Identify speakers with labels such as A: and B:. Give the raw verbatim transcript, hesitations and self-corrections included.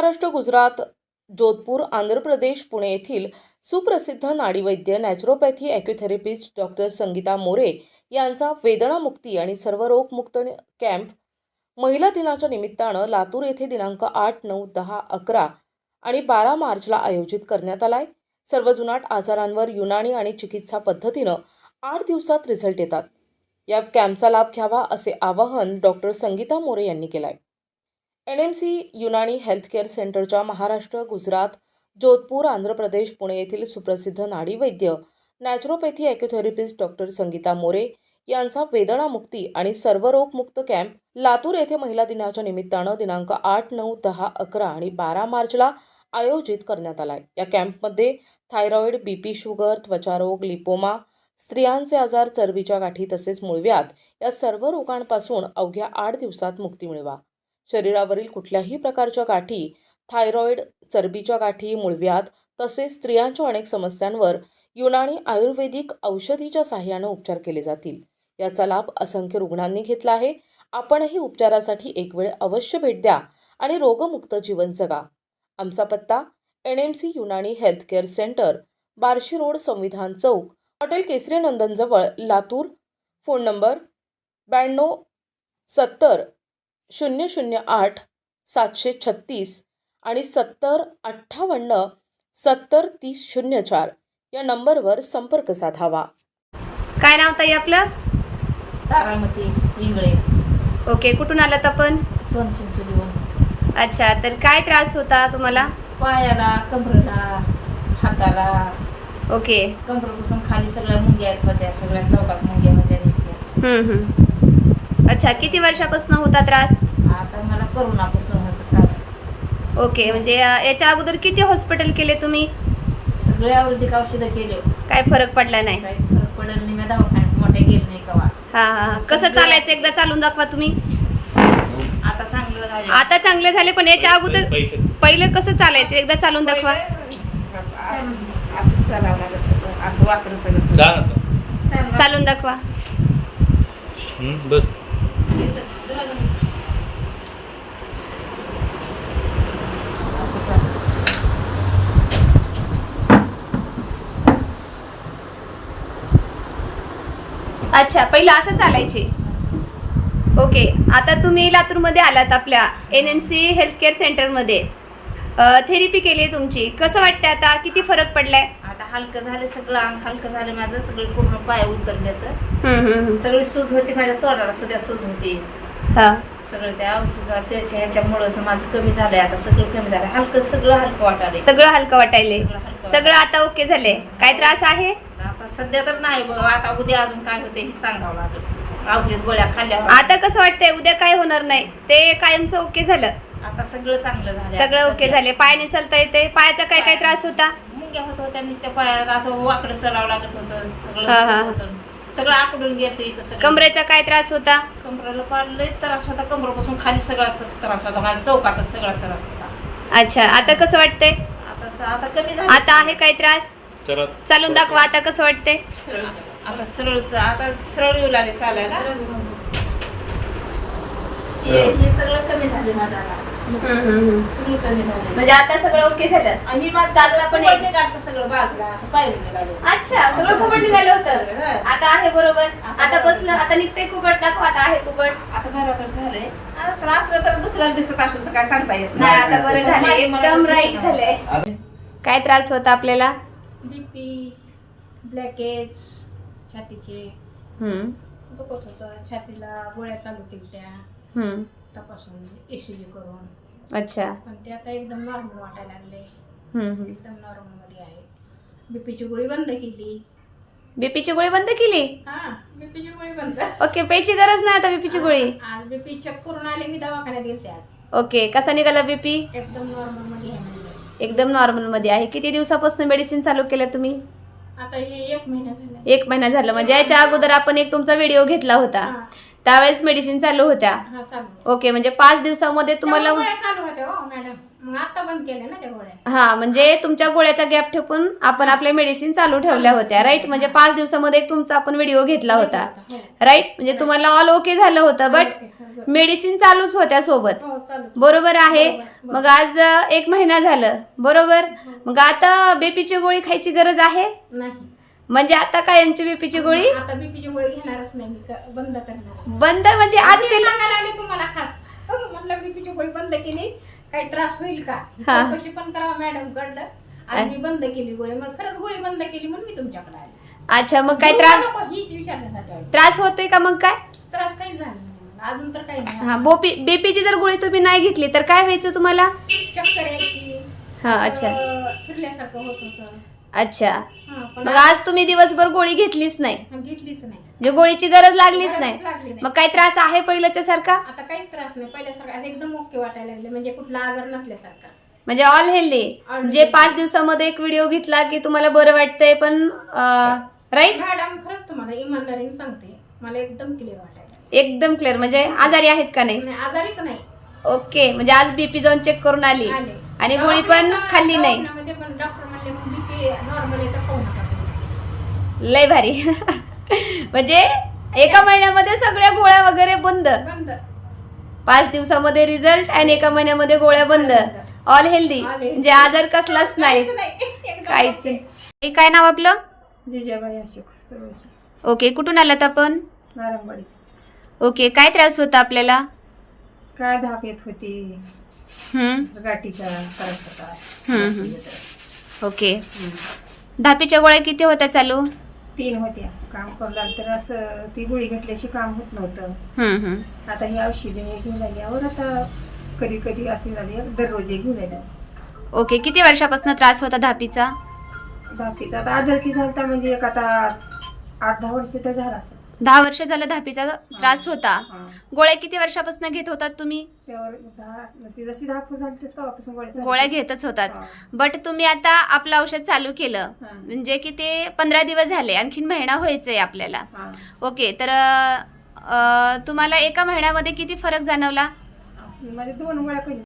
A: महाराष्ट्र, गुजरात, जोधपूर, आंध्र प्रदेश, पुणे येथील सुप्रसिद्ध नाडीवैद्य naturopathy acutherapist doctor Sangeeta More यांचा वेदनामुक्ती आणि सर्वरोगमुक्त कॅम्प महिला दिनाच्या निमित्तानं लातूर येथे दिनांक आठ, नऊ, दहा, अकरा आणि बारा मार्चला आयोजित करण्यात आलाय। सर्व जुनाट आजारांवर युनानी आणि चिकित्सा पद्धतीनं आठ दिवसात रिझल्ट येतात। या कॅम्पचा लाभ घ्यावा असे आवाहन डॉक्टर संगीता मोरे यांनी केलंय। N M C Unani healthcare सेंटरच्या महाराष्ट्र, गुजरात, जोधपूर, आंध्र प्रदेश, पुणे येथील सुप्रसिद्ध नाडीवैद्य naturopathy acutherapist doctor Sangeeta More यांचा वेदनामुक्ती आणि सर्वरोगमुक्त कॅम्प लातूर येथे महिला दिनाच्या निमित्तानं दिनांक आठ, नऊ, दहा, अकरा आणि बारा मार्चला आयोजित करण्यात आलाय। या कॅम्पमध्ये थायरॉइड, बीपी, शुगर, त्वचारोग, लिपोमा, स्त्रियांचे आजार, चरबीच्या गाठी तसेच मूळव्याध या सर्व रोगांपासून अवघ्या आठ दिवसात मुक्ती मिळवा। शरीरावरील कुठल्याही प्रकारच्या गाठी, थायरॉइड, चरबीच्या गाठी, मूळव्याध तसेच स्त्रियांच्या अनेक समस्यांवर युनानी आयुर्वेदिक औषधीच्या सहाय्याने उपचार केले जातील। याचा लाभ असंख्य रुग्णांनी घेतला आहे। आपणही उपचारासाठी एक वेळ अवश्य भेट द्या आणि रोगमुक्त जीवन जगा। आमचा पत्ता N M C Unani healthcare centre, Barshi road, संविधान चौक, हॉटेल केसरी नंदन जवळ, लातूर। फोन नंबर ब्याण्णव सत्तर शून्य शून्य आठ सातशे छत्तीस आणि सत्तर अठ्ठावन्न सत्तर तीस शून्य चार या नंबरवर संपर्क साधावा।
B: काय नाव ताई आपलं?
C: तारामती इंगळे।
B: ओके, कुठून आलात आपण?
C: सोनचिंचलीहून।
B: अच्छा, तर काय त्रास होता तुम्हाला?
C: पायाला, कमरेला, हाताला।
B: ओके,
C: कमरेपासून खाली सगळ्या मुंग्या आहेत होत्या, सगळ्या चौकात मुंग्या होत्या दिसत्या।
B: हम्म हम्म अच्छा, किती वर्षापासून होता त्रास?
C: आता मला करोनापासून होतं चालू।
B: ओके, म्हणजे अं, याच्या अगोदर किती हॉस्पिटल केले तुम्ही?
C: सगळे आयुर्वेदिक औषधं केले,
B: काय फरक पडला नाही?
C: काहीच फरक पडला नाही। मी दवाखान्यात मोठे गेले नाही कवा।
B: हा हा कसं चालायचं एकदा चालून दाखवा तुम्ही।
C: आता चांगलं झालं।
B: आता चांगले झाले, पण याच्या अगोदर पहिले कसं चालायचं एकदा चालून दाखवा।
C: असं चालावं लागत होतं, असं वाकडं चलत होतं।
B: चालून दाखवा।
D: बस
C: असं चालत।
B: अच्छा, पहिलं असं चालायचे। ओके, आता तुम्ही लातूरमध्ये आलात आपल्या एन एम सी हेल्थकेअर सेंटरमध्ये। थेरपी केली आहे तुमची, कसं वाटतं आता? किती फरक पडलाय?
C: आता हलकं झालं, सगळं अंग हलकं झालं माझं, सगळे पूर्ण पाय उतरले तर
B: हम्म हम्म
C: सगळी सूज होती माझ्या तोंडाला सुद्धा सूज होती।
B: हा
C: सगळं त्या औषध त्याच्या ह्याच्यामुळं माझं कमी झालंय, आता सगळं कमी झालं, हलकं सगळं हलकं वाटायलंय,
B: सगळं हलकं वाटायले,
C: सगळं हलकं
B: सगळं आता ओके झाले। काय त्रास आहे
C: आता सध्या तर नाही बघ, आता उद्या अजून काय होते हे सांगावं लागेल। औषध गोळ्या खाल्ल्यावर
B: आता कसं वाटतंय? उद्या काय होणार नाही, ते कायमचं ओके झालं,
C: आता सगळं चांगलं झालं,
B: सगळं ओके झाले। पायाने चालता येते? पायाचा काय काय त्रास होता?
C: मुंग्या होत होत्या नुसत्या पायात, असं वाकडं चलावं लागत होतं, सगळं
B: हा, हा.
C: होत होतं, सगळं आकडून गेलं इथं सगळं।
B: कमरेचा काय त्रास होता?
C: कमरेला फार लयच त्रास होता, कमरेपासून खाली सगळा त्रास होता, माझ्या चौकातच सगळा त्रास होता।
B: अच्छा, आता कसं वाटतंय?
C: आता आता कमी झालं।
B: आता आहे काय त्रास? चालून दाखवा, आता कसं वाटतंय?
C: आता सरळ आता सरळ येऊ लागले चालायला, हे हे सगळं कमी झाले माझं आता, सगळं कमी झालं।
B: म्हणजे आता सगळं ओके झालं
C: आणि माझं
B: चालता पण
C: पण निघालं सगळं बाजूला, असं पायरून निघाले।
B: अच्छा, सगळं कुबट निघालं होतं, आता आहे बरोबर। आता बसलं, आता निघतंय कुबट, दाखवा आता आहे कुबट।
C: आता बरोबर झालंय, असं असलं तर दुसऱ्याला दिसत असेल तर काय सांगता येत
B: नाही, आता बरं झालं, एकदम राईट झालंय। काय त्रास होता आपल्याला?
C: बीपी, ब्लॅकेज, छातीचे
B: हम्म
C: दुखत होतं, छातीला गोळ्या चालू केल्या
B: हम्म
C: तपासून एसीजी करून,
B: अच्छा,
C: पण ते आता एकदम नॉर्मल वाटायला लागले,
B: हम्म
C: एकदम नॉर्मल मध्ये आहे। बीपीची गोळी बंद केली।
B: बीपीची गोळी बंद केली?
C: हा, बीपीची गोळी बंद।
B: ओके, प्यायची गरज नाही आता बीपीची गोळी?
C: आज बीपी चेक करून आले, मी दवाखान्यात गेलते आज।
B: ओके, कसा निघाला बीपी?
C: एकदम नॉर्मल मध्ये आहे म्हणजे।
B: एकदम नॉर्मल मध्ये आहे। किती दिवसापासून मेडिसिन चालू केलं तुम्ही?
C: आता हे एक महिना झाला।
B: एक महिना झाला, म्हणजे याच्या अगोदर आपण एक तुमचा व्हिडिओ घेतला होता, त्यावेळेस मेडिसिन चालू होत्या?
C: हा, चालू।
B: ओके, म्हणजे पाच दिवसामध्ये तुम्हाला
C: गोळ्या चालू होत्या हो मॅडम, मग आता बंद केल्या ना त्या गोळ्या.
B: हा म्हणजे तुमच्या गोळ्याचा गॅप ठेवून आपण आपल्या मेडिसिन चालू ठेवल्या होत्या राईट. म्हणजे पाच दिवसामध्ये एक तुमचा आपण व्हिडिओ घेतला होता राईट. म्हणजे तुम्हाला ऑल ओके झालं होतं बट मेडिसिन चालूच होत्या सोबत.
C: हो चालू.
B: बरोबर आहे. मग आज अ, एक महिना झालं बरोबर. मग आता बीपीची गोळी खायची गरज आहे
C: नाही
B: म्हणजे आता कायमची बीपीची गोळी
C: आता बीपीची गोळी घेणारच नाही मी क- बंद करणार.
B: बंद म्हणजे आज
C: ते
B: केलं.
C: सांगायला आले तुम्हाला खास. तसं म्हटलं बीपीची गोळी बंद केली काही त्रास होईल का
B: हा.
C: चौकशी पण करावं मॅडम कडलं. आणि मी बंद केली गोळी मग खरंच गोळी बंद केली म्हणून मी तुमच्याकडे आले.
B: अच्छा मग काय
C: घेऊ
B: त्रास
C: नको हीच विचारण्यासाठी आले.
B: त्रास होतोय का मग काय.
C: त्रास काही झाला नाही मला. अजून तर काही नाही.
B: हा बोपी बीपीची जर गोळी तुम्ही नाही घेतली तर काय व्हायचं तुम्हाला.
C: चक्कर यायची.
B: हा अच्छा
C: अं, फिरल्यासारखं होत होतं.
B: अच्छा
C: हा, पण
B: मग आज तुम्ही दिवसभर गोळी घेतलीच नाही
C: आज घेतलीच नाही.
B: म्हणजे गोळीची गरज लागलीच
C: गरजच
B: नाही.
C: लागली नाही.
B: मग काय त्रास आहे पहिल्याच्या सारखा
C: आता काहीच त्रास नाही पहिल्यासारखं आता एकदम ओके वाटायला लागले म्हणजे कुठला आजार नसल्यासारखा.
B: म्हणजे ऑल हेल्दी.
C: All
B: म्हणजे
C: healthy.
B: पाच दिवसामध्ये एक व्हिडिओ घेतला की तुम्हाला बरं वाटतंय पण राईट
C: मॅडम खरंच तुम्हाला इमानदारीने सांगते मला एकदम क्लिअर वाटायला लागलं.
B: एकदम क्लिअर. म्हणजे आजारी आहेत का नाही.
C: नाही आजारीच नाही.
B: ओके म्हणजे आज बीपी जाऊन चेक करून आली
C: आले.
B: आणि गोळी पण
C: दवाखान्यात-
B: खाल्ली नाही.
C: दवाखान्यामध्ये पण डॉक्टर म्हणले बीपी नॉर्मल आहे तर खाऊ नका तुम्ही.
B: लय भारी. म्हणजे एका महिन्यामध्ये सगळ्या गोळ्या वगैरे बंद.
C: बंद.
B: पाच दिवसामध्ये रिझल्ट आणि एका महिन्यामध्ये गोळ्या बंद. All healthy.
C: All healthy.
B: म्हणजे आजार कसलाच नाही
C: काहीच नाही. एकदम
B: काहीच
C: ओके.
B: नाही. काय नाव आपलं.
C: जिजाबाई अशोक सर्वसी.
B: ओके कुठून आलात आपण.
C: नारंगवाडीचं.
B: ओके काय त्रास होता आपल्याला.
C: काय धाप येत होती
B: हम्म,
C: गाठीचा त्रास होता.
B: हम्म, हम्म. ओके धापीच्या गोळ्या किती होत्या चालू.
C: तीन होत्या काम करू लागलं तर असं ती गोळी घेतल्याशी काम होत नव्हतं.
B: हम्म, हम्म.
C: आता ही औषधे हे घेऊन आल्यावर आता कधी कधी असे झाले दररोज हे घेऊन आले.
B: ओके किती वर्षापासून त्रास होता धापीचा.
C: बाकीचा आता आदरटी झालता म्हणजे एक आता आठ दहा वर्ष तर झाला असं.
B: दहा वर्ष झालं धापीचा त्रास होता.
C: हा.
B: गोळ्या किती वर्षापासून घेत होतात तुम्ही.
C: त्यावर दहा ती जशी धाप झाली तेच तेव्हापासून गोळ्या चालू.
B: गोळ्या घेतच होतात
C: हा.
B: बट तुम्ही आता आपलं औषध चालू केलं
C: हा.
B: म्हणजे की ते पंधरा दिवस झाले आणखीन महिना व्हायचंय आपल्याला.
C: हा.
B: ओके तर अं, तुम्हाला एका महिन्यामध्ये किती फरक जाणवला.
C: म्हणजे दोन गोळ्या पहिले